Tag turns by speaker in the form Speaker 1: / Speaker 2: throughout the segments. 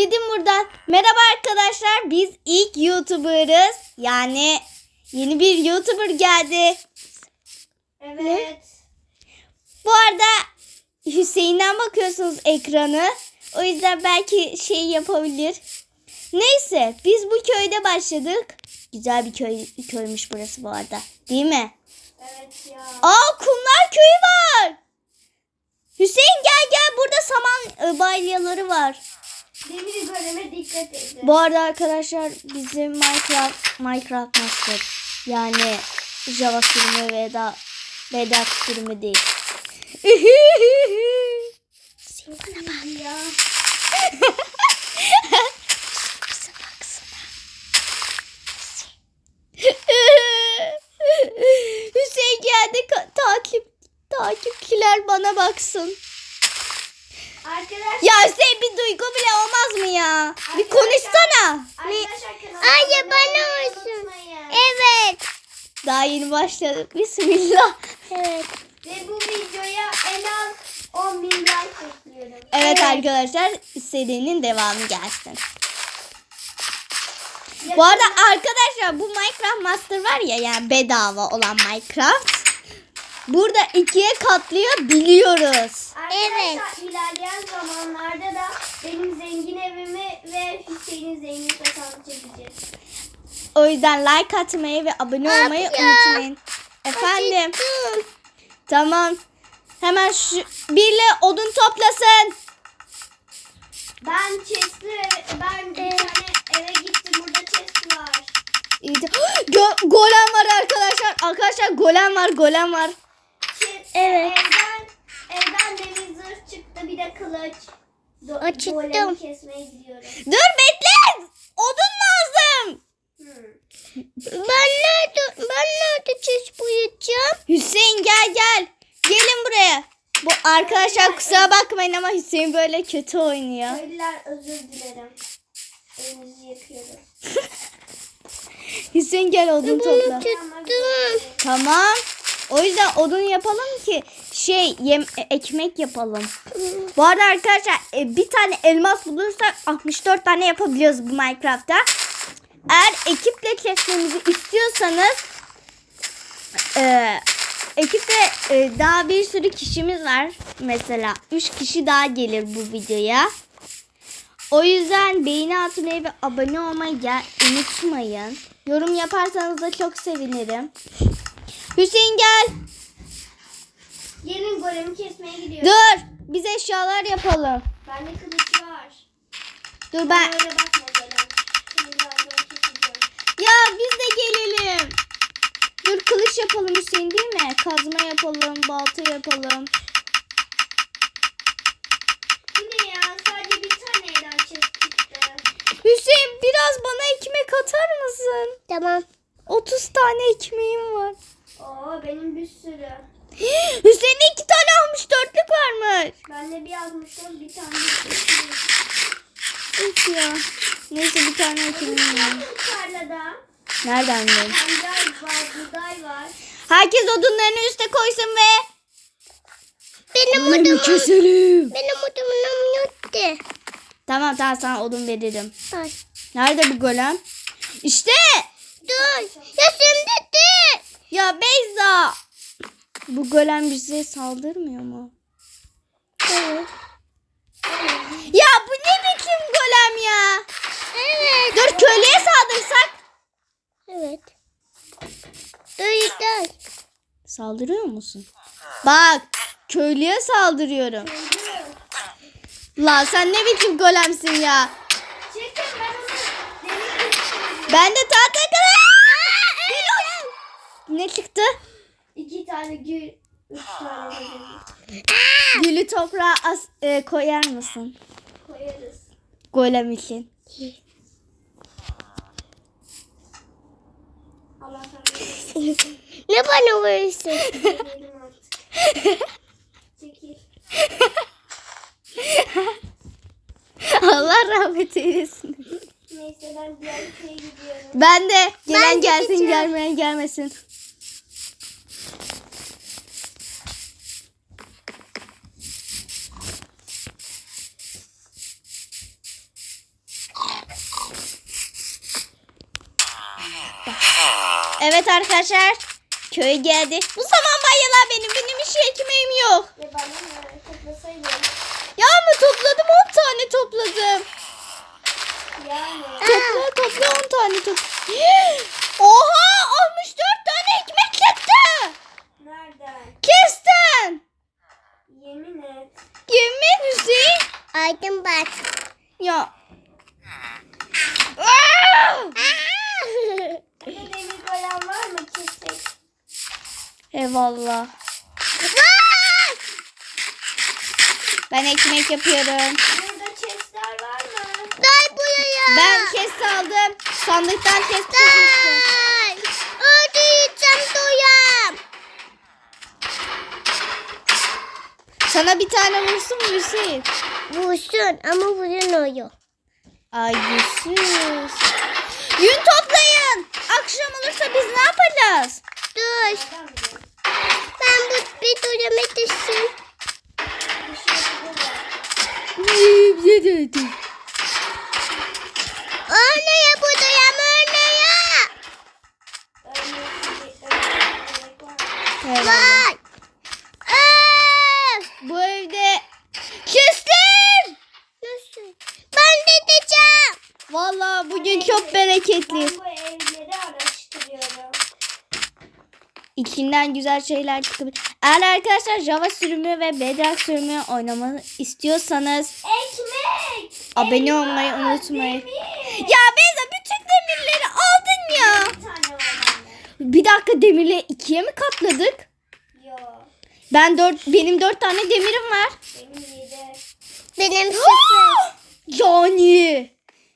Speaker 1: Gidin buradan. Merhaba arkadaşlar. Biz ilk YouTuber'ız. Yani yeni bir YouTuber geldi.
Speaker 2: Evet.
Speaker 1: Bu arada Hüseyin'den bakıyorsunuz ekranı. O yüzden belki şey yapabilir. Neyse biz bu köyde başladık. Güzel bir köymüş burası bu arada. Değil mi?
Speaker 2: Evet ya.
Speaker 1: Aa, Kumlar Köyü var. Hüseyin gel burada saman balyaları var.
Speaker 2: Demir goleme dikkat edin.
Speaker 1: Bu arada arkadaşlar bizim Minecraft Master. Yani Java sürümü veya Bedrock sürümü değil.
Speaker 2: Bana ya.
Speaker 1: Bize baksana. Hüseyin geldi, takipçiler bana baksın.
Speaker 2: Arkadaşlar.
Speaker 1: Ya Hüseyin bir duygu bile olmaz mı ya? Bir konuşsana.
Speaker 2: Arkadaşlar kanalıma
Speaker 3: Ay,
Speaker 2: abone
Speaker 3: bana
Speaker 2: olmayı
Speaker 3: olsun.
Speaker 2: unutmayın.
Speaker 3: Evet.
Speaker 1: Daha yeni başladık. Bismillah.
Speaker 3: Evet.
Speaker 2: Ve bu videoya en az 10.000 like bekliyorum.
Speaker 1: Evet arkadaşlar, serinin devamı gelsin. Bu arada arkadaşlar bu Minecraft Master var ya, yani bedava olan Minecraft. Burada ikiye katlayabiliyoruz.
Speaker 2: Arkadaşlar ilerleyen zamanlarda da benim zengin evimi ve Hüseyin'in zengin sokağını çekeceğiz.
Speaker 1: O yüzden like atmayı ve abone olmayı unutmayın. Efendim. Tamam. Hemen şu birle odun toplasın.
Speaker 2: Ben bir tane eve gittim, burada chest var.
Speaker 1: Golem var arkadaşlar. Arkadaşlar golem var.
Speaker 3: Evet.
Speaker 2: Evden demir zırh çıktı, bir de kılıç.
Speaker 3: Açtım.
Speaker 2: Golemi kesmeye gidiyorum.
Speaker 1: Dur bekle. Odun lazım.
Speaker 3: Ben nerede çiş boyayacağım?
Speaker 1: Hüseyin gel. Gelin buraya. Bu arkadaşlar kusura bakmayın ama Hüseyin böyle kötü oynuyor.
Speaker 2: Köylüler özür dilerim. Elinizi yakıyorum.
Speaker 1: Hüseyin gel odun topla.
Speaker 3: Tuttum.
Speaker 1: Tamam. O yüzden odun yapalım ki ekmek yapalım. Bu arada arkadaşlar bir tane elmas bulursak 64 tane yapabiliyoruz bu Minecraft'ta. Eğer ekiple kesmemizi istiyorsanız ekipte daha bir sürü kişimiz var. Mesela 3 kişi daha gelir bu videoya. O yüzden beğeni atmayı ve abone olmayı unutmayın. Yorum yaparsanız da çok sevinirim. Hüseyin gel.
Speaker 2: Gelin, golemi kesmeye gidiyorum.
Speaker 1: Dur. Biz eşyalar yapalım.
Speaker 2: Bende kılıç var.
Speaker 1: Dur ben.
Speaker 2: Öyle bakma golem. Şimdi birazdan keseceğim.
Speaker 1: Ya biz de gelelim. Dur kılıç yapalım Hüseyin, değil mi? Kazma yapalım, balta yapalım.
Speaker 2: Bu ne ya? Sadece bir tane evden chest çıktı.
Speaker 1: Hüseyin biraz bana ekmek atar mısın?
Speaker 3: Tamam.
Speaker 1: 30 tane ekmeğim var.
Speaker 2: Oo, benim bir sürü.
Speaker 1: Hüseyin'de 2 tane 64'lük varmış.
Speaker 2: Bende bir yazmıştım, bir tane.
Speaker 1: Üf ya. Neyse bir tane ekmeğim var.
Speaker 2: Tarlada.
Speaker 1: Nereden bileyim?
Speaker 2: Pancar var, buğday var.
Speaker 1: Herkes odunlarını üste koysun ve
Speaker 3: Benim
Speaker 1: odunu keselim.
Speaker 3: odamım yoktu.
Speaker 1: Tamam sana odun veririm.
Speaker 3: Ay.
Speaker 1: Nerede bu golem? İşte.
Speaker 3: Dur. Ya şimdi de.
Speaker 1: Ya Beyza. Bu golem bize saldırmıyor mu?
Speaker 3: Evet.
Speaker 1: Ya bu ne biçim golem ya?
Speaker 3: Evet.
Speaker 1: Dur köylüye saldırsak.
Speaker 3: Evet. Dur.
Speaker 1: Saldırıyor musun? Bak köylüye saldırıyorum. La sen ne biçim golemsin ya?
Speaker 2: Çekin, ben onu demir keseceğim.
Speaker 1: Ben de tahta kadar. Ne çıktı?
Speaker 2: 2 tane gül, 3 tane de demir.
Speaker 1: Gülü toprağa koyar mısın?
Speaker 2: Koyarız.
Speaker 1: Golem için.
Speaker 2: Allah kahretsin.
Speaker 3: Ne bana vuruyorsun?
Speaker 2: Yedim artık. Çekil.
Speaker 1: Allah rahmet eylesin.
Speaker 2: Neyse, ben diğer köye gidiyorum.
Speaker 1: Ben de gelen
Speaker 3: Ben
Speaker 1: gelsin
Speaker 3: gideceğim.
Speaker 1: gelmeyen gelmesin. Evet arkadaşlar. Köy geldi. Bu zaman bayalar benim hiç ekmeğim yok.
Speaker 2: Ve bana ne? Toplasaydım.
Speaker 1: Ya ama topladım 10 tane topladım.
Speaker 2: Yani.
Speaker 1: Topla 10 tane Oha 64 tane ekmek çıktı.
Speaker 2: Nereden?
Speaker 1: Kesten.
Speaker 2: Yemin et.
Speaker 1: Yemin Hüseyin.
Speaker 3: Aydın bak.
Speaker 1: Ya. Aa!
Speaker 2: Burada demir golem var mı? Kesek.
Speaker 1: Eyvallah. Ben ekmek yapıyorum.
Speaker 2: Burada chestler var mı?
Speaker 3: Gel buraya.
Speaker 1: Ben kes aldım. Sandıktan kes çıkmıştı.
Speaker 3: Gel. Orada yiyeceğim doyam.
Speaker 1: Sana bir tane vursun mu Hüseyin?
Speaker 3: Vursun ama vuruyor.
Speaker 1: Ay yüzsüz. Yün toplayın. Akşam olursa biz ne yapacağız?
Speaker 3: Dur.
Speaker 2: Nereden biliyorsun?
Speaker 3: Ben bu bir doyama düşsün.
Speaker 2: Bir şey burada.
Speaker 3: Oraya bu doyam oraya.
Speaker 2: Gerek var.
Speaker 1: Eyvallah.
Speaker 3: Vay.
Speaker 1: Bu evde kestir.
Speaker 3: Nasıl? Ben de edeceğim.
Speaker 1: Vallahi bugün çok bereketli.
Speaker 2: Ben bu evleri araştırıyorum.
Speaker 1: İçinden güzel şeyler çıkabilir. Eğer arkadaşlar Java sürümü ve Bedrock sürümü oynamanı istiyorsanız
Speaker 2: Ekmek!
Speaker 1: abone
Speaker 2: Elma,
Speaker 1: olmayı unutmayın.
Speaker 2: demir.
Speaker 1: Ya Beyza bütün demirleri aldın ya.
Speaker 2: Bir tane var bende.
Speaker 1: Bir dakika demirleri ikiye mi katladık?
Speaker 2: Yo.
Speaker 1: Benim 4 tane demirim var.
Speaker 2: Benim 7.
Speaker 3: Benim sıfır.
Speaker 1: Yani.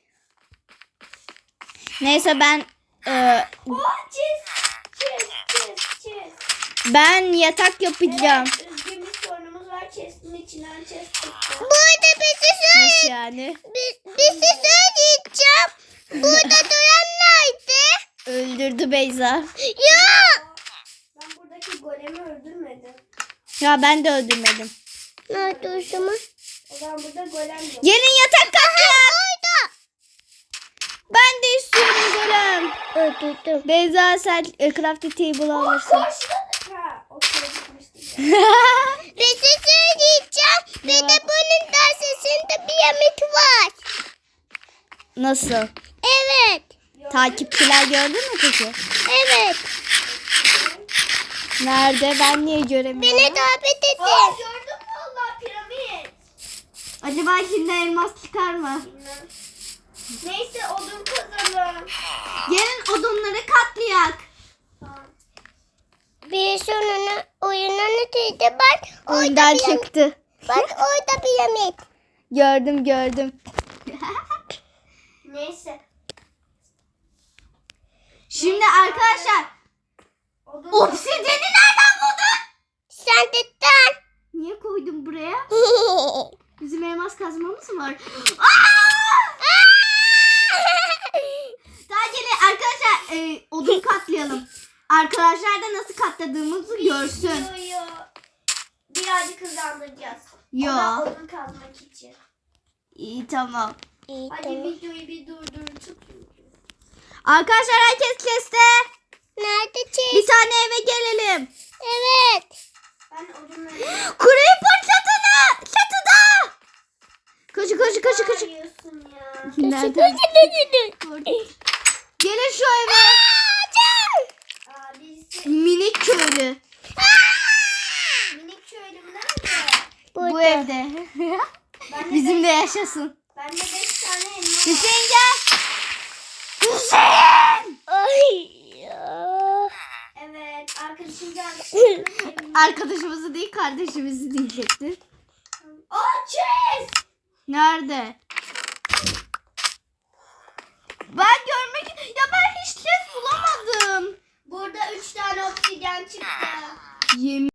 Speaker 1: Neyse ben
Speaker 2: Oh chest.
Speaker 1: ben yatak yapacağım.
Speaker 2: Evet, üzgün bir sorunumuz var. Chest'in içinden chest çıktı.
Speaker 3: Burada bir şey
Speaker 1: Nasıl yani?
Speaker 3: bir şey söyleyeceğim. Burada doyan nerede?
Speaker 1: Öldürdü Beyza.
Speaker 3: Ya.
Speaker 2: Ben buradaki golemi öldürmedim.
Speaker 1: Ya ben de öldürmedim.
Speaker 3: Nerede o zaman?
Speaker 2: O zaman burada golem yok.
Speaker 1: Gelin yatak katlayalım.
Speaker 3: Orada.
Speaker 1: Ben de istiyorum golem.
Speaker 3: Öldürdüm.
Speaker 1: Beyza sen crafting table alırsın.
Speaker 2: Koştu. Ha, okey gitmiştik.
Speaker 3: Bir şey söyleyeceğim. Bir de bunun dersesinde bir yemek var.
Speaker 1: Nasıl?
Speaker 3: Evet.
Speaker 1: Takipçiler gördün mü peki?
Speaker 3: Evet.
Speaker 1: Nerede? Ben niye göremiyorum?
Speaker 3: Beni davet
Speaker 2: Aa,
Speaker 3: edin.
Speaker 2: gördün mü Allah piramit?
Speaker 1: Acaba içinden elmas çıkar mı?
Speaker 2: Bilmem. Neyse odun kazalım.
Speaker 1: Gelin odunları katlayak.
Speaker 2: Tamam.
Speaker 3: Bir sonuna oyunun öteydi. Bak
Speaker 1: Oyundan
Speaker 3: orada bir yemek.
Speaker 1: çıktı.
Speaker 3: Bak orada bir yemek.
Speaker 1: Gördüm.
Speaker 2: Neyse.
Speaker 1: Şimdi arkadaşlar
Speaker 2: Odun
Speaker 1: obsidiyeni nereden buldun?
Speaker 3: Sandıktan.
Speaker 1: Niye koydun buraya? Bizim elmas kazmamız mı var? Daha gelin arkadaşlar odun katlayalım. Arkadaşlar da nasıl katladığımızı görsün.
Speaker 2: Yo. Birazcık hızlandıracağız.
Speaker 1: Yo.
Speaker 2: Ona odun kazmak için.
Speaker 1: İyi tamam.
Speaker 3: İyi
Speaker 2: Hadi
Speaker 3: tamam.
Speaker 2: videoyu bir durdurun.
Speaker 1: Arkadaşlar herkes keste.
Speaker 3: Nerede
Speaker 1: Bir
Speaker 3: çiz?
Speaker 1: tane eve gelelim.
Speaker 3: Evet.
Speaker 2: Ben odunları...
Speaker 1: Creeper çatıda. Koşu.
Speaker 2: Arıyorsun ya.
Speaker 1: Nereden? Gelin şu eve.
Speaker 2: Aa, birisi
Speaker 1: Minik köylü.
Speaker 2: minik köylüm nerede?
Speaker 1: Bu evde.
Speaker 2: Bende
Speaker 1: Bizimle yaşasın.
Speaker 2: Bende 5 tane elma var.
Speaker 1: Hüseyin gel. Hüseyin.
Speaker 3: Ay. Ya.
Speaker 2: Evet, arkadaşım geldi.
Speaker 1: Arkadaşımızı değil kardeşimizi diyecekti.
Speaker 2: Aa, chest!
Speaker 1: Nerede? Ben görmek... Ya ben hiç chest bulamadım.
Speaker 2: Burada 3 tane obsidyen çıktı.
Speaker 1: Yemin